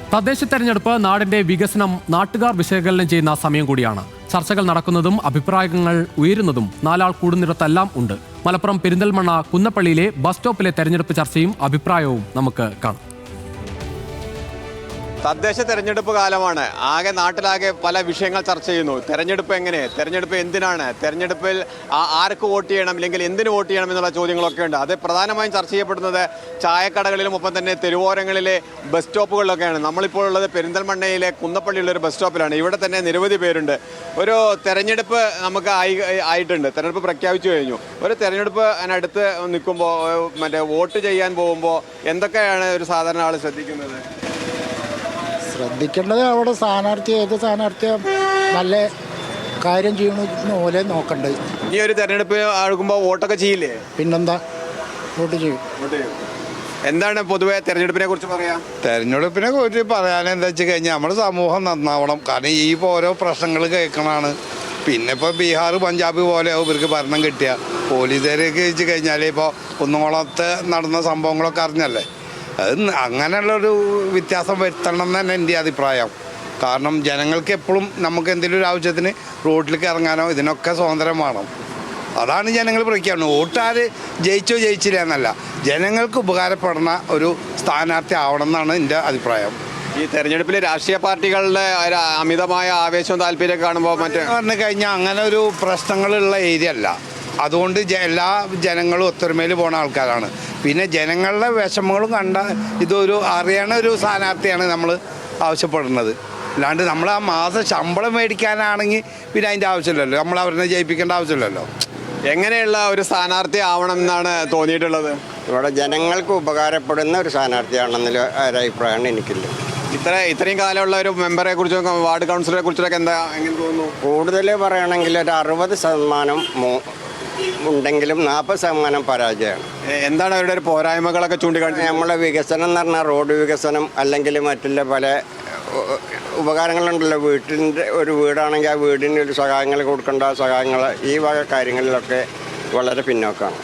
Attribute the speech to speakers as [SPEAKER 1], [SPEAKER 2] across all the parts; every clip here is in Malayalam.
[SPEAKER 1] തദ്ദേശ തെരഞ്ഞെടുപ്പ് നാടിന്റെ വികസനം നാട്ടുകാർ വിശകലനം ചെയ്യുന്ന സമയം കൂടിയാണ്. ചർച്ചകൾ നടക്കുന്നതും അഭിപ്രായങ്ങൾ ഉയരുന്നതും നാലാൾ കൂടുന്നിടത്തെല്ലാം ഉണ്ട്. മലപ്പുറം പെരിന്തൽമണ്ണ കുന്നപ്പള്ളിയിലെ ബസ് സ്റ്റോപ്പിലെ തെരഞ്ഞെടുപ്പ് ചർച്ചയും അഭിപ്രായവും നമുക്ക് കാണാം.
[SPEAKER 2] തദ്ദേശ തെരഞ്ഞെടുപ്പ് കാലമാണ്. നാട്ടിലാകെ പല വിഷയങ്ങൾ ചർച്ച ചെയ്യുന്നു. തെരഞ്ഞെടുപ്പ് എങ്ങനെ, തെരഞ്ഞെടുപ്പ് എന്തിനാണ്, തെരഞ്ഞെടുപ്പിൽ ആർക്ക് വോട്ട് ചെയ്യണം, അല്ലെങ്കിൽ എന്തിന് വോട്ട് ചെയ്യണം എന്നുള്ള ചോദ്യങ്ങളൊക്കെ ഉണ്ട്. അത് പ്രധാനമായും ചർച്ച ചെയ്യപ്പെടുന്നത് ചായക്കടകളിലും ഒപ്പം തന്നെ തെരുവോരങ്ങളിലെ ബസ് സ്റ്റോപ്പുകളിലൊക്കെയാണ്. നമ്മളിപ്പോൾ ഉള്ളത് പെരിന്തൽമണ്ണയിലെ കുന്നപ്പള്ളിയുള്ള ഒരു ബസ് സ്റ്റോപ്പിലാണ്. ഇവിടെ തന്നെ നിരവധി പേരുണ്ട്. ഒരു തെരഞ്ഞെടുപ്പ് നമുക്ക് ആയിട്ടുണ്ട്. തെരഞ്ഞെടുപ്പ് പ്രഖ്യാപിച്ചു കഴിഞ്ഞു. ഒരു തെരഞ്ഞെടുപ്പ് അതിനടുത്ത് നിൽക്കുമ്പോൾ വോട്ട് ചെയ്യാൻ പോകുമ്പോൾ എന്തൊക്കെയാണ് ഒരു സാധാരണ ആൾ ശ്രദ്ധിക്കുന്നത്?
[SPEAKER 3] ശ്രദ്ധിക്കേണ്ടത് അവിടെ ഏത് സ്ഥാനാർത്ഥിയെ നല്ല കാര്യം ചെയ്യണമെന്ന പോലെ നോക്കണ്ടത്.
[SPEAKER 2] ഈ ഒരു തെരഞ്ഞെടുപ്പ് ആകുമ്പോൾ വോട്ടൊക്കെ ചെയ്യില്ലേ?
[SPEAKER 3] പിന്നെന്താ, വോട്ട് ചെയ്യും.
[SPEAKER 2] എന്താണ് പൊതുവെ തെരഞ്ഞെടുപ്പിനെ കുറിച്ച് പറയാം?
[SPEAKER 4] തെരഞ്ഞെടുപ്പിനെ കുറിച്ച് പറയാനെന്താ വെച്ച് കഴിഞ്ഞാൽ നമ്മുടെ സമൂഹം നന്നാവണം. കാരണം ഈ ഓരോ പ്രശ്നങ്ങൾ കേൾക്കണതാണ്. പിന്നെ ഇപ്പോൾ ബീഹാർ പഞ്ചാബ് പോലെ ഇവർക്ക് ഭരണം കിട്ടിയ പോലീസുകാരൊക്കെ വെച്ച് കഴിഞ്ഞാൽ ഇപ്പോൾ കുന്നംകുളത്ത് നടന്ന സംഭവങ്ങളൊക്കെ അറിഞ്ഞല്ലേ. അത് അങ്ങനെയുള്ളൊരു വ്യത്യാസം വരുത്തണം എന്ന് തന്നെ എൻ്റെ അഭിപ്രായം. കാരണം ജനങ്ങൾക്ക് എപ്പോഴും നമുക്ക് എന്തെങ്കിലും ഒരു ആവശ്യത്തിന് റോഡിലേക്ക് ഇറങ്ങാനോ ഇതിനൊക്കെ സ്വാതന്ത്ര്യം വേണം. അതാണ് ജനങ്ങൾ പ്രഖ്യാപനം. വോട്ടാർ ജയിച്ചോ ജയിച്ചില്ല എന്നല്ല, ജനങ്ങൾക്ക് ഉപകാരപ്പെടുന്ന ഒരു സ്ഥാനാർത്ഥി ആവണം എന്നാണ് എൻ്റെ അഭിപ്രായം.
[SPEAKER 2] ഈ തെരഞ്ഞെടുപ്പിൽ രാഷ്ട്രീയ പാർട്ടികളുടെ അമിതമായ ആവേശവും താല്പര്യമൊക്കെ കാണുമ്പോൾ
[SPEAKER 4] പറഞ്ഞു കഴിഞ്ഞാൽ അങ്ങനെ ഒരു പ്രശ്നങ്ങളുള്ള ഏരിയ അല്ല. അതുകൊണ്ട് എല്ലാ ജനങ്ങളും ഒത്തൊരുമയിൽ പോണ ആൾക്കാരാണ്. പിന്നെ ജനങ്ങളുടെ വിഷമങ്ങളും കണ്ട ഇതൊരു അറിയണ ഒരു സ്ഥാനാർത്ഥിയാണ് നമ്മൾ ആവശ്യപ്പെടുന്നത്. അല്ലാണ്ട് നമ്മൾ ആ മാസം ശമ്പളം മേടിക്കാനാണെങ്കിൽ പിന്നെ അതിൻ്റെ ആവശ്യമില്ലല്ലോ, നമ്മൾ അവരെ ജയിപ്പിക്കേണ്ട ആവശ്യമില്ലല്ലോ.
[SPEAKER 2] എങ്ങനെയുള്ള ഒരു സ്ഥാനാർത്ഥി ആവണം എന്നാണ് തോന്നിയിട്ടുള്ളത്?
[SPEAKER 5] ഇവിടെ ജനങ്ങൾക്ക് ഉപകാരപ്പെടുന്ന ഒരു സ്ഥാനാർത്ഥിയാണെന്നുള്ള ഒരഭിപ്രായമാണ് എനിക്കുള്ളത്.
[SPEAKER 2] ഇത്രയും കാലമുള്ള ഒരു മെമ്പറെ കുറിച്ചൊക്കെ വാർഡ് കൗൺസിലറെ കുറിച്ചൊക്കെ എങ്ങനെ തോന്നുന്നു?
[SPEAKER 5] കൂടുതൽ പറയുകയാണെങ്കിൽ ഒരു 60% ഉണ്ടെങ്കിലും 40% പരാജയമാണ്.
[SPEAKER 2] എന്താണ് അവരുടെ ഒരു പോരായ്മകളൊക്കെ ചൂണ്ടിക്കാണിച്ചത്?
[SPEAKER 5] നമ്മളെ വികസനം എന്ന് പറഞ്ഞാൽ റോഡ് വികസനം, അല്ലെങ്കിൽ മറ്റുള്ള പല ഉപകാരങ്ങളുണ്ടല്ലോ. വീട്ടിൻ്റെ ഒരു വീടാണെങ്കിൽ ആ വീടിന് ഒരു സഹായങ്ങൾ കൊടുക്കേണ്ട സഹായങ്ങൾ, ഈ വക കാര്യങ്ങളിലൊക്കെ വളരെ പിന്നോക്കമാണ്.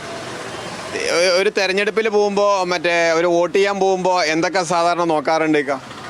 [SPEAKER 2] ഒരു തെരഞ്ഞെടുപ്പിൽ പോകുമ്പോൾ ഒരു വോട്ട് ചെയ്യാൻ പോകുമ്പോൾ എന്തൊക്കെ സാധാരണ നോക്കാറുണ്ട്?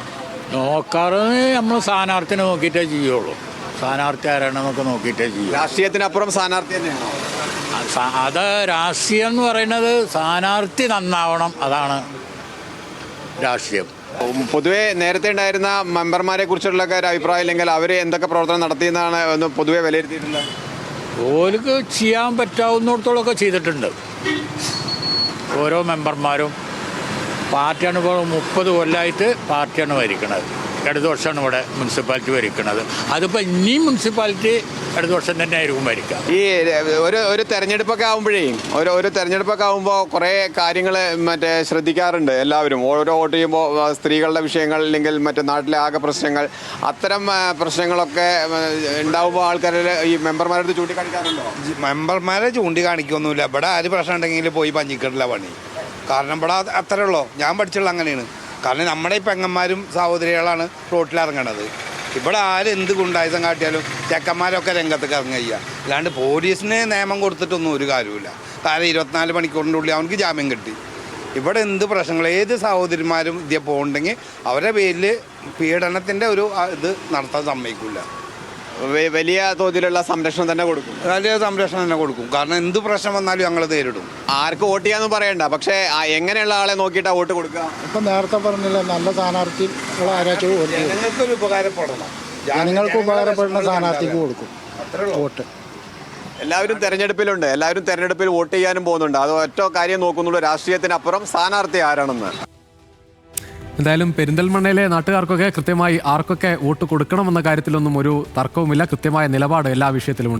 [SPEAKER 6] നമ്മൾ സ്ഥാനാർത്ഥിനെ നോക്കിയിട്ടേ ചെയ്യുള്ളൂ. സ്ഥാനാർത്ഥി ആരാണെന്നൊക്കെ നോക്കിയിട്ടേ ചെയ്യും.
[SPEAKER 2] രാഷ്ട്രീയത്തിനപ്പുറം സ്ഥാനാർത്ഥി തന്നെയാണോ?
[SPEAKER 6] അത് രാഷ്ട്രീയം എന്ന് പറയുന്നത് സ്ഥാനാർത്ഥി നന്നാവണം, അതാണ് രാഷ്ട്രീയം.
[SPEAKER 2] പൊതുവെ നേരത്തെ ഉണ്ടായിരുന്ന മെമ്പർമാരെ കുറിച്ചുള്ള ഒരു അഭിപ്രായം ഇല്ലെങ്കിൽ അവർ എന്തൊക്കെ പ്രവർത്തനം നടത്തിയെന്നാണ് ഒന്ന് പൊതുവെ വിലയിരുത്തിയിട്ടുള്ളത്?
[SPEAKER 6] ഓർക്ക് ചെയ്യാൻ പറ്റാവുന്നിടത്തോളമൊക്കെ ചെയ്തിട്ടുണ്ട്. ഓരോ മെമ്പർമാരും പാർട്ടിയാണ് ഇപ്പോൾ 30 കൊല്ലമായിട്ട് പാർട്ടിയാണ് ഭരിക്കുന്നത്. ഇടത് വർഷമാണ് ഇവിടെ മുനിസിപ്പാലിറ്റി ഭരിക്കുന്നത്. അതിപ്പോൾ ഇനിയും മുനിസിപ്പാലിറ്റി ഇടത് വർഷം തന്നെ ആയിരിക്കും ഭരിക്കുക.
[SPEAKER 2] ഈ ഒരു തെരഞ്ഞെടുപ്പൊക്കെ ആകുമ്പോഴേ ഒരു തെരഞ്ഞെടുപ്പൊക്കെ ആകുമ്പോൾ കുറേ കാര്യങ്ങൾ ശ്രദ്ധിക്കാറുണ്ട് എല്ലാവരും. ഓരോ വോട്ട് ചെയ്യുമ്പോൾ സ്ത്രീകളുടെ വിഷയങ്ങൾ, അല്ലെങ്കിൽ നാട്ടിലെ ആകെ പ്രശ്നങ്ങൾ, അത്തരം പ്രശ്നങ്ങളൊക്കെ ഉണ്ടാകുമ്പോൾ ആൾക്കാർ ഈ മെമ്പർമാരുടെ ചൂണ്ടിക്കാണിക്കാറുണ്ടോ?
[SPEAKER 4] മെമ്പർമാരെ ചൂണ്ടിക്കാണിക്കൊന്നുമില്ല. ഇവിടെ ആര് പ്രശ്നം ഉണ്ടെങ്കിൽ പോയി പഞ്ഞിക്കിട്ടില്ല പണി. കാരണം ഇവിടെ അത്രേ ഉള്ളൂ. ഞാൻ പഠിച്ചുള്ള അങ്ങനെയാണ്. കാരണം നമ്മുടെ ഈ പെങ്ങന്മാരും സഹോദരികളാണ് റോട്ടിലിറങ്ങണത്. ഇവിടെ എന്ത് ഗുണ്ടായുധം കാട്ടിയാലും ചെക്കന്മാരൊക്കെ രംഗത്തേക്ക് ഇറങ്ങുക. അല്ലാണ്ട് പോലീസിന് നിയമം കൊടുത്തിട്ടൊന്നും ഒരു കാര്യമില്ല. കാരണം 24 മണിക്കൂറിൻ്റെ ഉള്ളിൽ അവർക്ക് ജാമ്യം കിട്ടി. ഇവിടെ എന്ത് പ്രശ്നങ്ങൾ, ഏത് സഹോദരിമാരും ഇതേ പോകുന്നുണ്ടെങ്കിൽ അവരുടെ പേരിൽ പീഡനത്തിൻ്റെ ഒരു ഇത് നടത്താൻ സമ്മതിക്കില്ല.
[SPEAKER 2] വലിയ തോതിലുള്ള സംരക്ഷണം തന്നെ കൊടുക്കും.
[SPEAKER 4] വലിയ സംരക്ഷണം തന്നെ കൊടുക്കും. കാരണം എന്ത് പ്രശ്നം വന്നാലും ഞങ്ങൾ നേരിടും.
[SPEAKER 2] ആർക്ക് വോട്ട് ചെയ്യാന്ന് പറയണ്ട, പക്ഷേ എങ്ങനെയുള്ള ആളെ നോക്കിയിട്ടാ വോട്ട് കൊടുക്കുക?
[SPEAKER 3] ഇപ്പം നേരത്തെ പറഞ്ഞില്ല, നല്ല സ്ഥാനാർത്ഥികളെ ആരാച്ചും വോട്ട് ചെയ്യും.
[SPEAKER 4] ജനങ്ങൾക്കൊരു ഉപകാരപ്പെടണം.
[SPEAKER 3] ജനങ്ങൾക്ക് ഉപകാരപ്പെടുന്ന സ്ഥാനാർത്ഥിക്ക് കൊടുക്കും വോട്ട്.
[SPEAKER 2] എല്ലാവരും തെരഞ്ഞെടുപ്പിലുണ്ട്. എല്ലാവരും തെരഞ്ഞെടുപ്പിൽ വോട്ട് ചെയ്യാനും പോകുന്നുണ്ട്. അത് ഒറ്റ കാര്യം നോക്കുന്നുള്ളൂ, രാഷ്ട്രീയത്തിനപ്പുറം സ്ഥാനാർത്ഥി ആരാണെന്ന്.
[SPEAKER 1] എന്തായാലും പെരിന്തൽമണ്ണയിലെ നാട്ടുകാർക്കൊക്കെ കൃത്യമായി ആർക്കൊക്കെ വോട്ട് കൊടുക്കണമെന്ന കാര്യത്തിലൊന്നും ഒരു തർക്കവുമില്ല. കൃത്യമായ നിലപാട് എല്ലാ വിഷയത്തിലും